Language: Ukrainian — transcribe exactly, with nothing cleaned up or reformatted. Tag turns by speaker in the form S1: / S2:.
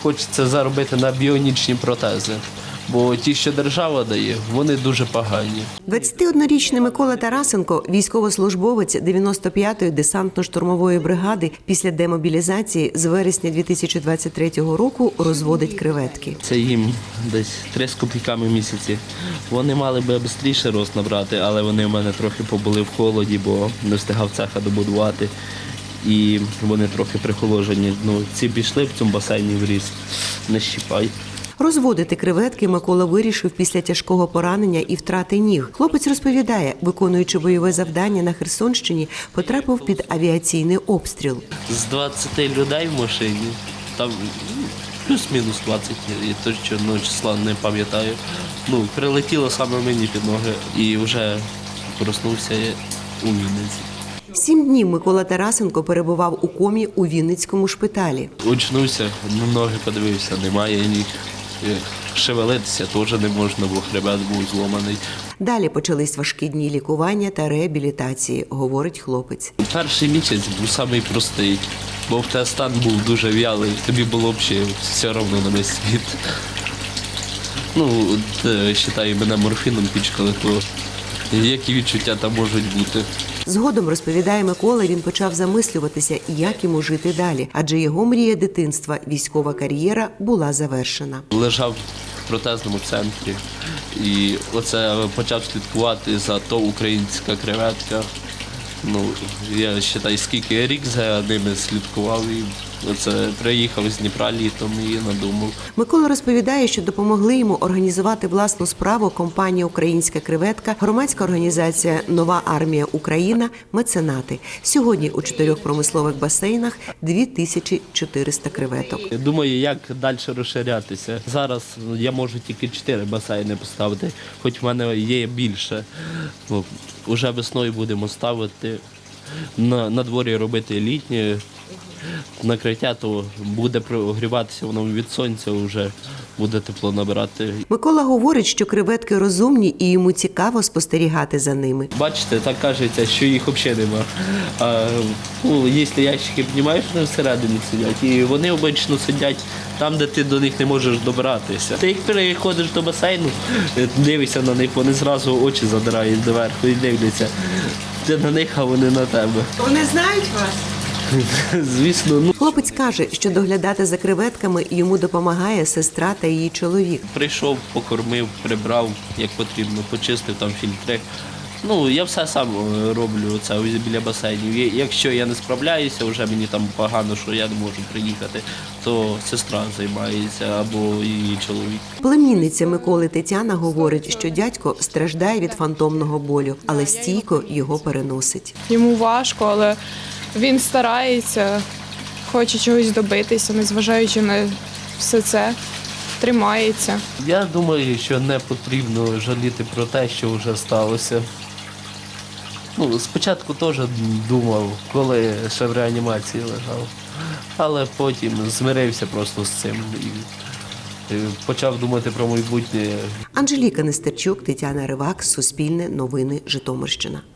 S1: хочеться заробити на біонічні протези. Бо ті, що держава дає, вони дуже погані.
S2: двадцятиоднорічний Микола Тарасенко – військовослужбовець дев'яносто п'ятої десантно-штурмової бригади. Після демобілізації з вересня дві тисячі двадцять третього року розводить креветки.
S1: Це їм десь три з копійками в місяці. Вони мали би швидше рост набрати, але вони в мене трохи побули в холоді, бо не встигав цеха добудувати. І вони трохи прихоложені. Ну, ці пішли в цьому басейні в ріст, не щіпай.
S2: Розводити креветки Микола вирішив після тяжкого поранення і втрати ніг. Хлопець розповідає, виконуючи бойове завдання на Херсонщині, потрапив під авіаційний обстріл.
S1: З двадцяти людей в машині, там плюс-мінус двадцять, я точно числа не пам'ятаю. Ну, прилетіло саме мені під ноги і вже проснувся я у Вінниці.
S2: Сім днів Микола Тарасенко перебував у комі у Вінницькому шпиталі.
S1: Очнувся, на ноги подивився, немає ніг. Шевелитися теж не можна, бо хребет був зломаний.
S2: Далі почались важкі дні лікування та реабілітації, говорить хлопець.
S1: Перший місяць був самий простий, бо в тебе стан був дуже в'ялий, тобі було взагалі все одно на весь світ. Ну, вважаю, мене морфіном пічкали, то які відчуття там можуть бути.
S2: Згодом, розповідає Микола, він почав замислюватися, як йому жити далі, адже його мрія дитинства, військова кар'єра, була завершена.
S1: Лежав в протезному центрі і оце почав слідкувати за то українська креветка. Ну, я вважаю, скільки я рік за ними слідкував і оце приїхав з Дніпра літом і надумав.
S2: Микола розповідає, що допомогли йому організувати власну справу компанія «Українська креветка», громадська організація «Нова армія Україна», меценати. Сьогодні у чотирьох промислових басейнах дві тисячі чотириста креветок.
S1: Я думаю, як далі розширятися. Зараз я можу тільки чотири басейни поставити, хоч в мене є більше. Ну, уже весною будемо ставити, на, на дворі робити літнє накриття, то буде прогріватися воно від сонця, вже буде тепло набирати.
S2: Микола говорить, що креветки розумні і йому цікаво спостерігати за ними.
S1: Бачите, так кажеться, що їх взагалі нема. А, ну, якщо ящики піднімаєш, вони всередині сидять. І вони обично сидять там, де ти до них не можеш добратися. Ти як переходиш до басейну, дивишся на них, вони зразу очі задирають доверху і дивляться. Ти на них, а вони на тебе.
S2: Вони знають вас?
S1: Звісно. Ну.
S2: Хлопець каже, що доглядати за креветками йому допомагає сестра та її чоловік.
S1: Прийшов, покормив, прибрав, як потрібно, почистив там фільтри. Ну, я все сам роблю це біля басейнів. Якщо я не справляюся, вже мені там погано, що я не можу приїхати, то сестра займається або її чоловік.
S2: Племінниця Миколи Тетяна говорить, що дядько страждає від фантомного болю, але стійко його переносить.
S3: Йому важко, але він старається, хоче чогось добитися, незважаючи на все це, тримається.
S1: Я думаю, що не потрібно жаліти про те, що вже сталося. Ну, спочатку теж думав, коли ще в реанімації лежав, але потім змирився просто з цим і почав думати про майбутнє.
S2: Анжеліка Нестерчук, Тетяна Ривак, Суспільне новини, Житомирщина.